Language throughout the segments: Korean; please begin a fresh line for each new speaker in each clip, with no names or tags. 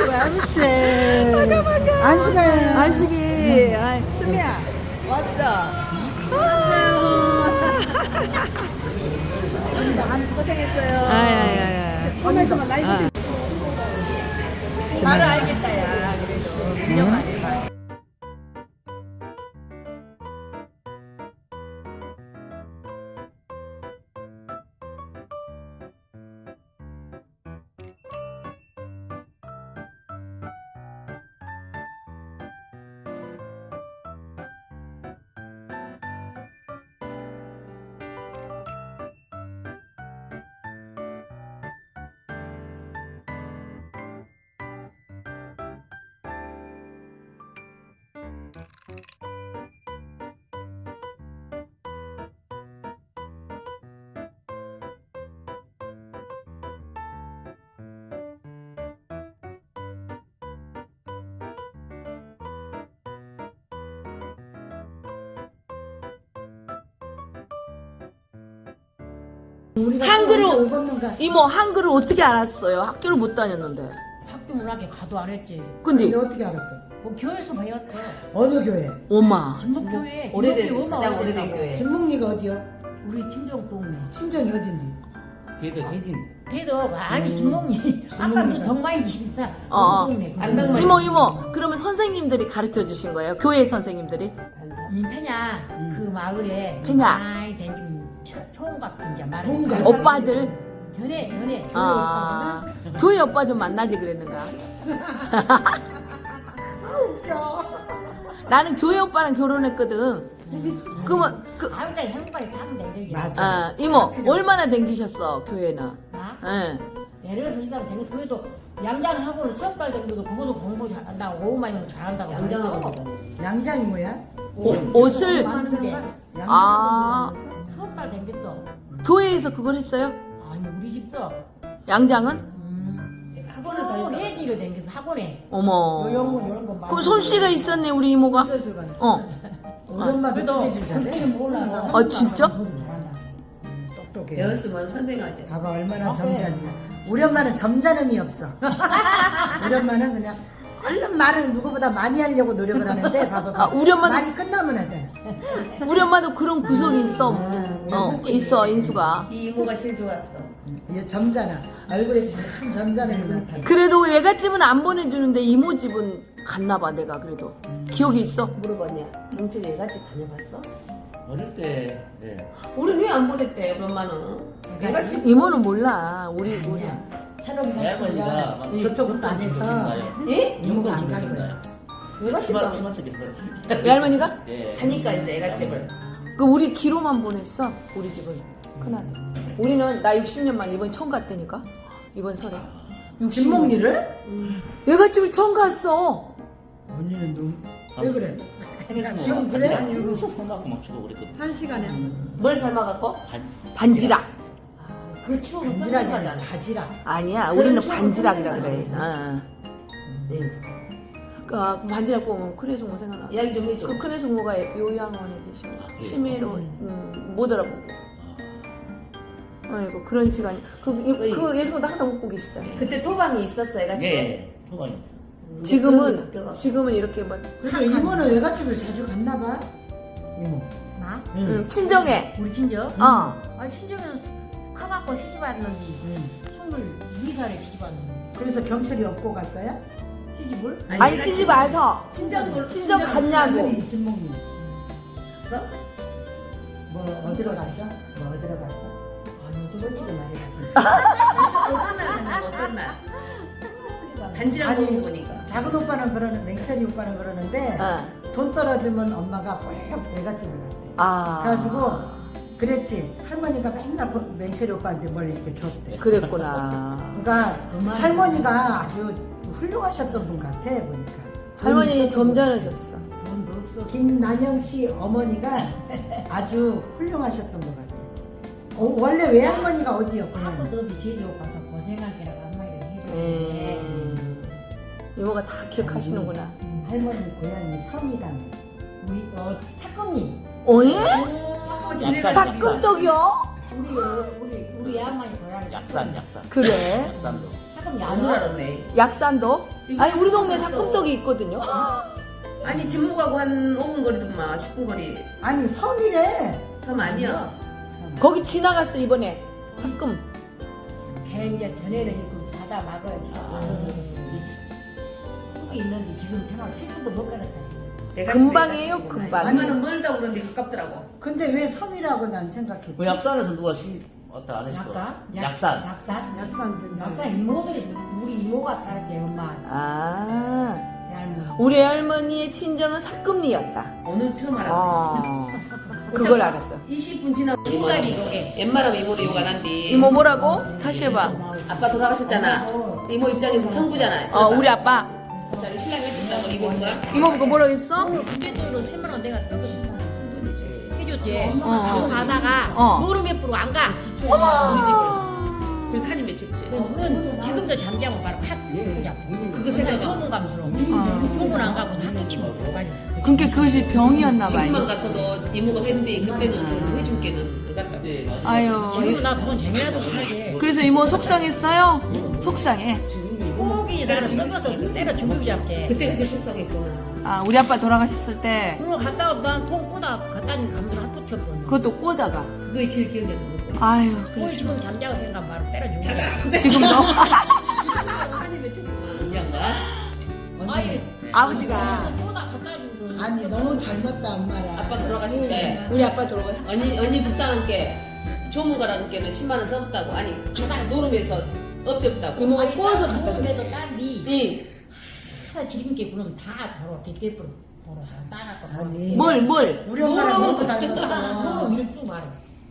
맘새. 안수가.
안숙이. 아, 수미야. 왔어.
안수 고생했어요.
아야야야.
보면서만 나이
아. 바로 알겠다, 야. 그래도. 1년 만에 봐. 한글을 이모 한글을 어떻게 알았어요? 학교를 못 다녔는데.
학교 문학에 가도 안 했지.
근데
어떻게 알았어?
뭐 교회에서 배웠죠.
어느 교회?
엄마.
진목교회.
오래된 가장 오래된 교회.
진목리가 어디요?
우리 친정 동네.
친정이 어딘데?
걔도 혜진.
걔도 아니 진목리. 아까 그 정마이 집사.
어.
그 동네.
안당만
이모 그러면 선생님들이 가르쳐 주신 거예요? 교회 선생님들이?
페냐 그 마을에
페냐.
많이 댕긴 총각 이제 말을.
총각.
오빠들?
전에
아 교회 오빠 좀 만나지 그랬는가? 나는 교회 오빠랑 결혼했거든. 그러면
아무튼 행복하게 사면 되지.
맞아.
아, 이모 얼마나 댕기셨어 교회는?
나
예.
예를 들어서 이 사람 되게 그래도 양장하고는 석달 정도도 그것도 공부 잘한다고 오후만 이면 잘한다고.
양장하고
양장이 뭐야?
옷을
만드는데
아.
석달 댕겼어.
교회에서 그걸 했어요?
아니 우리 집서
양장은?
학원을 다녔다. 애기로 댕겨서 학원에.
어머.
요런 거
그럼 솜씨가 있었네 우리 이모가. 어.
우리 엄마도
그래도
뜨개질 잘해?
몰라.
아, 진짜?
잘한다.
똑똑해.
배웠으면 선생하지.
봐봐 얼마나
아, 그래.
점잖냐. 우리 엄마는 점잖음이 없어. 우리 엄마는 그냥 얼른 말을 누구보다 많이 하려고 노력을 하는데 봐봐.
아, 우리 엄마는-
말이 끝나면 하잖아.
우리 엄마도 그런 구석이 있어. 있어 인수가.
이 이모가 제일 좋았어.
얘 점잖아. 얼굴에 참 점잖음이 나타나.
그래도 얘가 집은 안 보내주는데 이모 집은 갔나 봐 내가 그래도. 기억이 있어?
물어봤냐? 경찰 얘가집 다녀봤어?
어릴 때, 예.
우린 왜 안 보냈대, 우리 엄마는? 얘가집
이모는 몰라. 우리
찬옥이
할머니가
삼촌이가
막
저쪽은 안 해서
예?
이모가 안 간 거야.
얘가집 안
치마 속에서.
외할머니가?
예.
가니까 이제 얘가집을.
그 우리 기로만 보냈어. 우리 집은 큰아들. 우리는 나 60년 만에 이번 처음 갔다니까. 이번 설에.
진목리를?
얘가 집을 처음 갔어.
언니는 왜 그래?
지금
지금 그래?
손하고 막 쳐도 그랬거든.
뭘 삶아갖고?
반지락.
그 추억은
반지락이 아니라
편집하잖아.
바지락.
아니야.
저는
우리는
처음
반지락이라
생각나네.
그래.
네.
그 반지락 보면 큰애송모 생각나.
이야기 좀 해줘.
그 큰애송모가 요양원에 계셔. 치매로 못 알아보고. 아이고 그런 시간이. 그 예수님도 항상 웃고 계시잖아.
그때 토방이 있었어, 얘가집.
예. 토방이.
지금은 이렇게 막
그래서 이모는 외갓집을 자주 갔나 봐. 이모.
나?
응.
친정에.
우리 친정?
어.
아니 친정에서 숙하갖고 시집왔는지
응.
22살에 시집왔는데
그래서 경찰이 업고 갔어요?
시집을?
아니 시집 와서 친정 갔냐고.
할머니 진목리.
갔어?
뭐 어디로 갔어? 뭐 어디로 갔어?
아니, 솔직히 말해봐. 어떤 날 갔냐고, 어떤 날. 반지락
아니,
먹는 거니까.
작은 오빠는 그러는 맹철이 오빠는 그러는데
어.
돈 떨어지면 엄마가 꼭 외갓집을 갔대.
아.
그래가지고 그랬지. 할머니가 맨날 맹철이 오빠한테 뭘 이렇게 줬대.
그랬구나.
그러니까 할머니가 아주 훌륭하셨던 분 같아 보니까.
할머니 점잖으셨어.
돈도 없어.
김난영 씨 어머니가 아주 훌륭하셨던 것 같아. 원래 외할머니가 어디였구나.
학교도 어디 제주도 가서 고생할 때라고 한마디를 해줬는데
이모가 다 기억하시는구나.
할머니 고향이 섬이당.
우리 차금님
어예?
약산,
닭금떡이요?
우리 양반이 고향이
약산.
그래.
약산도.
사금이
안 알았네.
약산도? 아니 우리 동네 삭금떡이 있거든요.
아니 진목하고 한 5분 거리더만 10분 거리.
아니 섬이래.
섬 아니야.
거기 지나갔어 이번에 삭금.
걔 이제 전에는 그 바다 막을 뚝이 있는데 지금 정말 10분도 못 가겠다.
내가
금방이에요,
집에
금방.
얼마나 멀다고 그러는데 가깝더라고.
근데 왜 섬이라고 난 생각해.
그 약산에서 누가 왔다 안 했어? 약산.
약산 이모들이 우리 이모가 살았지 엄마.
아
얇은.
우리 할머니의 친정은 삭금리였다.
오늘 처음 알았네.
아 그걸 알았어.
20분 지나고
이모가리 이거게.
웬만하면 이모를 욕 안 한디.
이모 뭐라고? 다시 해봐.
아빠 돌아가셨잖아. 이모 입장에서 성부잖아.
우리 아빠.
자기 신랑이 해준다고 이모가.
이모 그거 뭐라고 했어?
군대적으로 10만 원 내가 들고 해줬지.
어.
그거 가다가
어.
노름 몇 프로 안 가.
우리 집을. 그래서 사진 몇 찍지.
그건 지금도 잠자고 바로 파트 그냥.
그거 생각하고.
소문감스러워. 소문 안 가고 나는 치고 자빠져.
그러니까 그것이 병이었나
지금만
봐요.
같아도 이모가 했는데 그때는 해준 게는 그 같다.
네, 맞아.
아유.
그리고 나 그건 재미라도 살게.
그래서 이모 속상했어요? 속상해.
꼭이 나는 늙어서 때려 죽이고 잡게.
그때 그제 속상했구나.
아 우리 아빠 돌아가셨을 때
그거 갔다 오면 난통 꼬다 갖다 준 감독 한 쳤거든.
그것도 꼬다가.
그게 제일 기억에 남는 거.
아유
그걸 지금 잠자고 생각 바로 때려주고.
지금도
한이 몇 척이구나.
이양가?
아니
아버지가
꼬다 갖다 주고.
아니 너무 닮았다 엄마랑.
아빠 돌아가실 때
우리 아빠 돌아가셨을 때
언니 불쌍한 게 조문가라는 게는 10만 원 썼다고. 아니 노름에서 없었다고.
이모가 꼬아서
갖다
갖다 줬어.
줘. 딸이
이
사 지름게 부르면 다 벌어 대대부로 벌어 따갖고.
아니.
뭘?
우리 엄마랑
너무
먹고 다녔었어.
너무 일주 말아.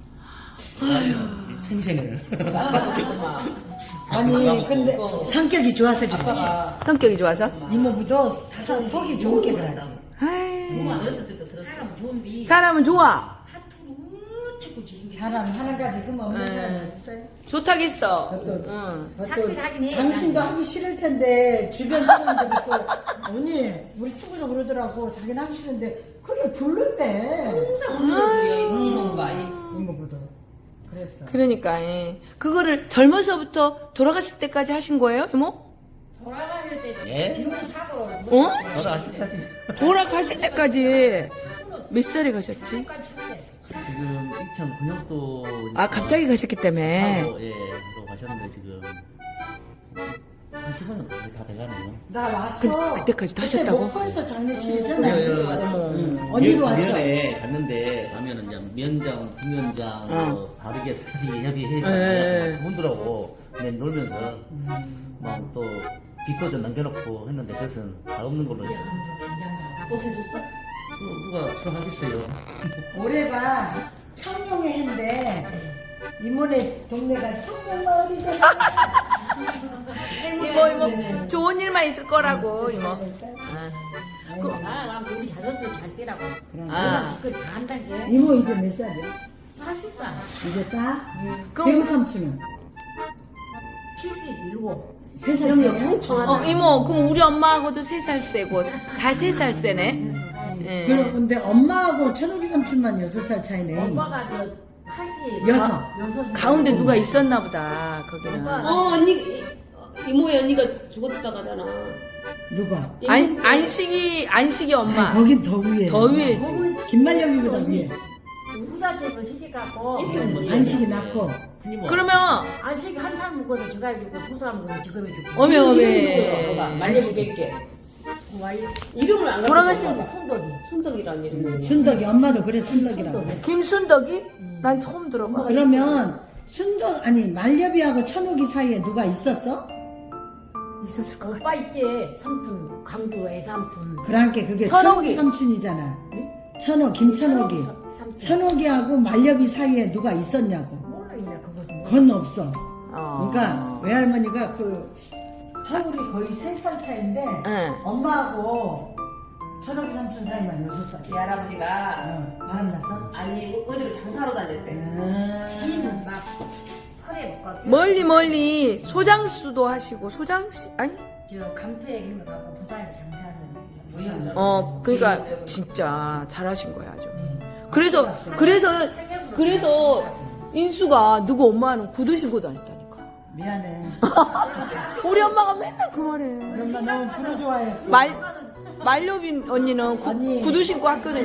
평생을.
아빠도 그랬더만.
아니 근데
어.
성격이 좋아서 그래.
아빠가
성격이 좋아서?
이모부도 속이 좋은 게 그러지.
아이,
부모 안 어렸을 때도 들었어.
사람 좋은데
사람은 좋아.
하투루 자꾸 지름게.
사람 하나까지 그만 없는 사람 있어요?
좋다겠어.
그것도-
응.
삭실 하긴 해.
당신도 하기 싫을 텐데 주변 사람들이 또 언니 우리 친구도 그러더라고 자기는 하기 싫은데 그게 부른대
항상 오늘은 그려 이모가.
이모부도 그랬어.
그러니까 예. 그거를 젊어서부터 돌아가실 때까지 하신 거예요, 이모?
돌아가실 때
예?
비용 사고
어?
저도 아직까지
돌아가실 때까지 몇 살에 가셨지?
잠깐 칠때
지금 2009년도
아 갑자기 가셨기 때문에.
예, 들어가셨는데 지금 한 10년 거의 다 돼가네요.
나 왔어.
그때까지도
그때
하셨다고?
목포에서 장례치르잖아.
예, 예, 맞아.
언니도 왔죠.
면회 갔는데 가면은 이제 면장, 부면장, 뭐 바르게 사지 협의해서
예.
그분들하고 그냥 놀면서 막 또 빚도 좀 남겨놓고 했는데 그것은 다 없는 걸로 이제
없애줬어?
누가 수락하겠어요?
올해가 청룡의 해인데 이모네 동네가 청룡마을이잖아.
이모 좋은 일만 있을 거라고 이모.
아, 우리 자전거 잘 뛰라고.
아.
그걸 다 한다게.
이모 이제 몇 살이야?
80살,
이제 딱?
그럼-
지금 삼촌은?
77.
3살 차이야?
이모 그럼 우리 엄마하고도 3살 세고 다 3살 세네. 예.
근데 엄마하고 천옥이 삼촌만 6살 차이네.
오빠가 저 80.
여섯.
가운데 누가 있었나 보다 거기는.
언니 이모의 언니가 죽었다가잖아.
누가?
안식이 엄마.
아니, 거긴 더 위에.
더 위에지.
김말령이보다 위에.
우리가 집을 시집 갖고
안식이 낳고.
그러면
안식 한 사람 먹어도 저거 해주고 두 사람 먹어도 저거 해주고.
어메
이름이
어메.
누구야? 말려보겠게. 이름을 안
돌아가신
가르쳐.
손덕이.
순덕이라는 이름이.
순덕이 엄마도 그래 순덕이라고.
김순덕이? 난 처음 들어봐.
그러면 순덕 아니 말려비하고 천옥이 사이에 누가 있었어?
있었을 것 같아.
오빠 있지 삼촌 광주 애삼촌.
그러니까 그게
천옥이.
천옥이 삼촌이잖아. 천옥 김천옥이.
삼촌.
천옥이하고 말려비 사이에 누가 있었냐고.
몰라 있나 그것은.
그건 없어.
어.
그러니까 외할머니가 그 하울이 거의 3살 차인데
응.
엄마하고 천옥이 삼촌 사이만 6살.
이 할아버지가
바람 났어?
아니 어디로 장사로 다녔대.
막 털에 먹고.
멀리 소장수도 하시고 소장씨 아니?
저 감태 이런 거 갖고 부산에 장사를.
그러니까 진짜 잘하신 거야 아주. 그래서 인수가 누구 엄마는 구두 신고 다녔다니까.
미안해.
우리 엄마가 맨날 그 말해.
우리 엄마 너무 프로 좋아했어.
말료빈 언니는
언니,
구두 신고 학교는.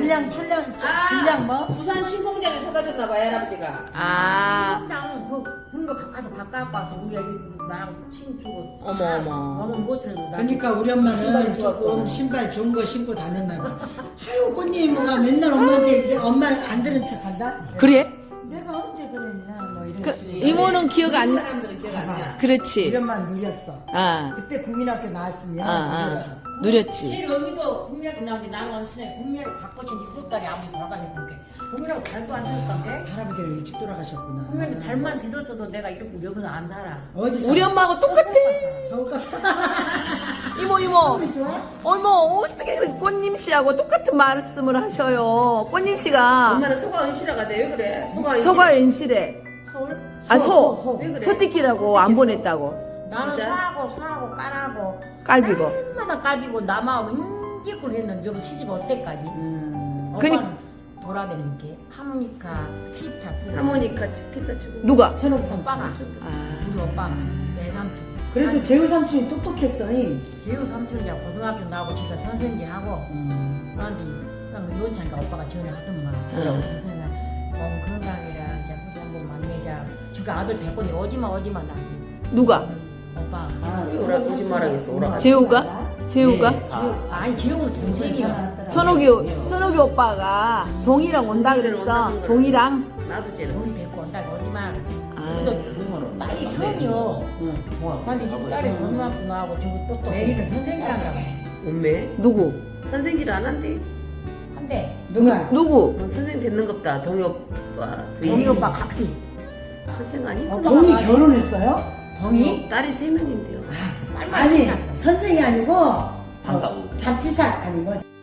질량 뭐?
부산 신공장에 사다 줬나 봐요, 할아버지가.
아,
그냥 그런 거 가서 바꿔 와서 우리 애기 나랑 춤추고.
어머.
너무 못해도 나.
그러니까 우리 엄마는
신발이
조금
좋았구나.
신발 좋은 거 신고 다녔나 봐. 아유 꽃님이가 맨날 엄마한테 엄마는 안 들은 척한다.
그래?
내가 언제 그랬냐 뭐 이런
그,
식으로.
이모는 기억 안 나.
사람들은 기억 안 나.
그렇지.
우리 엄마는 누렸어.
아,
그때 국민학교 나왔으면
아.
누렸어.
누렸지.
제일 어미도 국민학교 나오는데 나는 원신에 국민학교 바꿔준 일곱 달이 아무리 돌아가니까 국민학교 달도 안 들었던데.
할아버지가 일찍 돌아가셨구나.
국민학교 달만 들었어도 내가 이렇게 여기서 안 살아.
어디서?
우리 엄마하고 똑같아.
서울 가서.
이모.
서울이 좋아?
어머, 어떻게 그래. 꽃님 씨하고 똑같은 말씀을 하셔요. 꽃님 씨가
엄마는 소가 은실화가 돼. 왜 그래? 소가 은실화.
서가 엔실에.
서울?
아,
소.
왜 그래?
소띠끼라고 안 보냈다고.
나는
진짜?
사하고 까라고
깔비고.
얼마나 깔비고 남하고 인기꾼 했는데 여기 시집 어때까지?
그니-
오빠는 돌아다니는 게 하모니카, 기타,
하모니카 기타 치고.
누가?
천옥 삼촌.
오빠가
아,
우리 오빠가 내 삼촌.
그래도 재우 삼촌이 똑똑했어. 잉?
제우 삼촌이야 고등학교 나오고 지가 선생님 하고 그런데 그냥 요원차니까 오빠가 전에 하더만 그러고 선생님 건강이라 이제 혹시 한번 만나자 지가 아들 백번이 오지마 나
누가?
오빠
오라 거짓말하겠어. 오라.
재우가? 재우가?
아니 재우는 동생이야
천옥이 오빠가 동이랑 온다 그랬어. 동이랑.
나도 쟤는.
우리 데리고 온다 오지마
아,
딸이 선이요 근데 지금 딸이 고등학교 나오고 지금 또 내리는 선생님이란가 봐
엄매.
누구?
선생질 안 한대.
한데
누가?
누구?
선생 됐는 겁다. 동희 오빠.
동이 오빠 각시
선생 아니?
동이 결혼했어요?
동이?
딸이 3명인데요.
아니 선생이 아니고
장가부.
잡지사 아니고